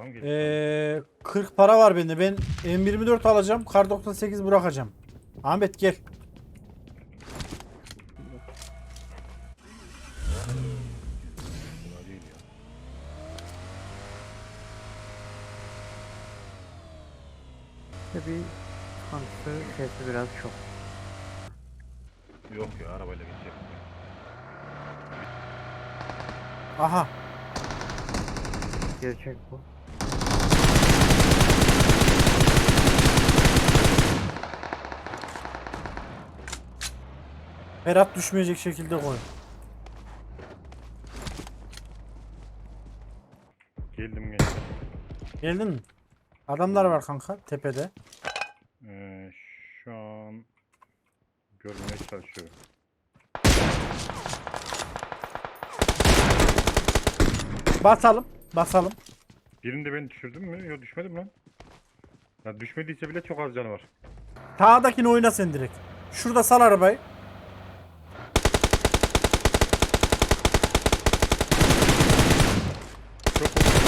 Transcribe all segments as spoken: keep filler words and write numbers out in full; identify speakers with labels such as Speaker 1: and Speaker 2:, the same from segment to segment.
Speaker 1: Tamam geç.
Speaker 2: Ee, kırk para var bende. Ben M yirmi dört alacağım. Kar doksan sekiz bırakacağım. Ahmet gel.
Speaker 1: Kolay değil ya.
Speaker 3: İşte bir sıkıntısı sesi biraz çok.
Speaker 1: Yok ya arabayla geçecek.
Speaker 2: Aha.
Speaker 3: Gerçek bu.
Speaker 2: Berat düşmeyecek şekilde koy.
Speaker 1: Geldim gençler.
Speaker 2: Geldin mi? Adamlar var kanka tepede.
Speaker 1: Ee, şu an görmeye çalışıyorum.
Speaker 2: Basalım. Basalım.
Speaker 1: Birini de ben düşürdüm mü? Yok düşmedim lan. Ya düşmediyse bile çok az canı var.
Speaker 2: Sağdakini oyna sen direkt. Şurada sal arabayı.
Speaker 1: Çok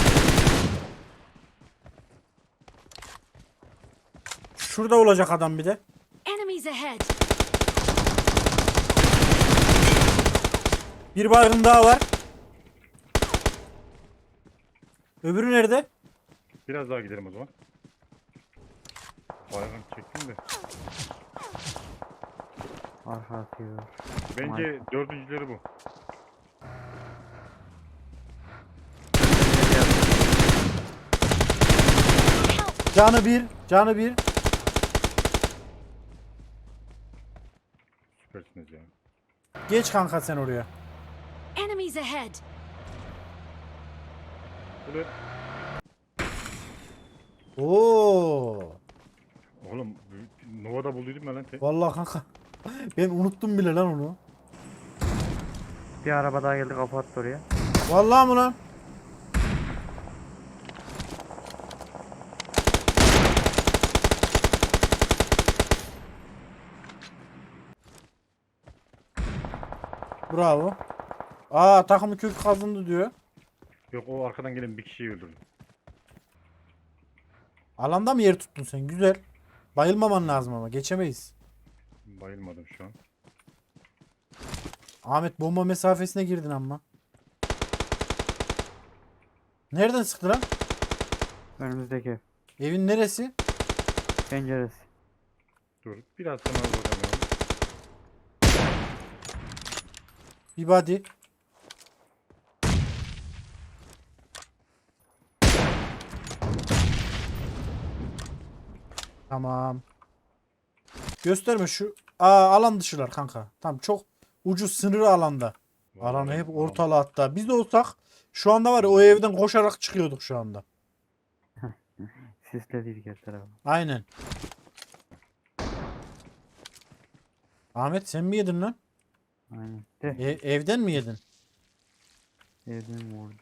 Speaker 2: Şurada olacak adam bir de.
Speaker 4: Enemies ahead!
Speaker 2: Bir baygın daha var. Öbürü nerede?
Speaker 1: biraz daha gidelim o zaman. Bayağı çektim de.
Speaker 3: Arka atıyor.
Speaker 1: Bence dördüncüleri bu.
Speaker 2: Canı bir. Canı bir.
Speaker 1: Süpersiniz ya.
Speaker 2: Geç kanka sen oraya.
Speaker 4: Enemies ahead!
Speaker 1: Böyle
Speaker 2: Oo.
Speaker 1: oğlum Nova'da bulduydum ben lan. te-
Speaker 2: Vallahi kanka. Ben unuttum bile lan onu.
Speaker 3: Bir araba daha geldi, kafa attı oraya.
Speaker 2: Vallahi mı lan? Bravo. Aa takımı kök kazındı diyor.
Speaker 1: Yok o arkadan gelen bir kişiyi öldürdüm.
Speaker 2: Alanda mı yer tuttun sen? Güzel. Bayılmaman lazım ama geçemeyiz.
Speaker 1: Bayılmadım şu an.
Speaker 2: Ahmet bomba mesafesine girdin ama. Nereden sıktı lan?
Speaker 3: Önümüzdeki ev.
Speaker 2: Evin neresi?
Speaker 3: Penceresi.
Speaker 1: Dur biraz sonra vuracağım ya.
Speaker 2: Bir body. Tamam. Gösterme şu. Aa alan dışılar kanka. Tamam çok ucu sınırı alanda. Alanı
Speaker 1: Vallahi
Speaker 2: hep
Speaker 1: alan-
Speaker 2: ortalı hatta. Biz de olsak şu anda var ya o evden koşarak çıkıyorduk şu anda.
Speaker 3: Sisledik her tarafı.
Speaker 2: Aynen. Ahmet sen mi yedin lan?
Speaker 3: Aynen. De.
Speaker 2: E- evden mi yedin?
Speaker 3: Evden vurdu.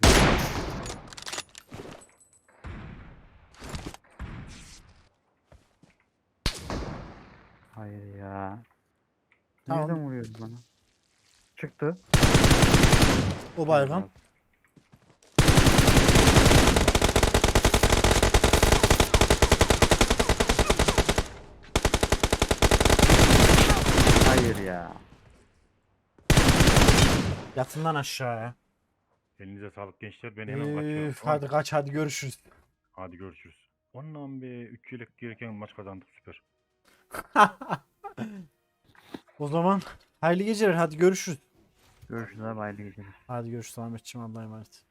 Speaker 3: Hayır ya.
Speaker 2: Tamam.
Speaker 3: Nereden vuruyordu bana? Çıktı.
Speaker 2: O baygın.
Speaker 3: Hayır ya.
Speaker 2: Yatın lan aşağıya.
Speaker 1: Elinize sağlık gençler. Ben hemen kaçıyorum.
Speaker 2: Üf,
Speaker 1: Tamam.
Speaker 2: hadi kaç hadi görüşürüz.
Speaker 1: Hadi görüşürüz. Ondan be üç yelek gereken maç kazandık süper.
Speaker 2: O zaman hayırlı geceler hadi görüşürüz.
Speaker 3: Görüşürüz abi, hayırlı geceler.
Speaker 2: Hadi görüşürüz Ahmetciğim Allah'a emanet.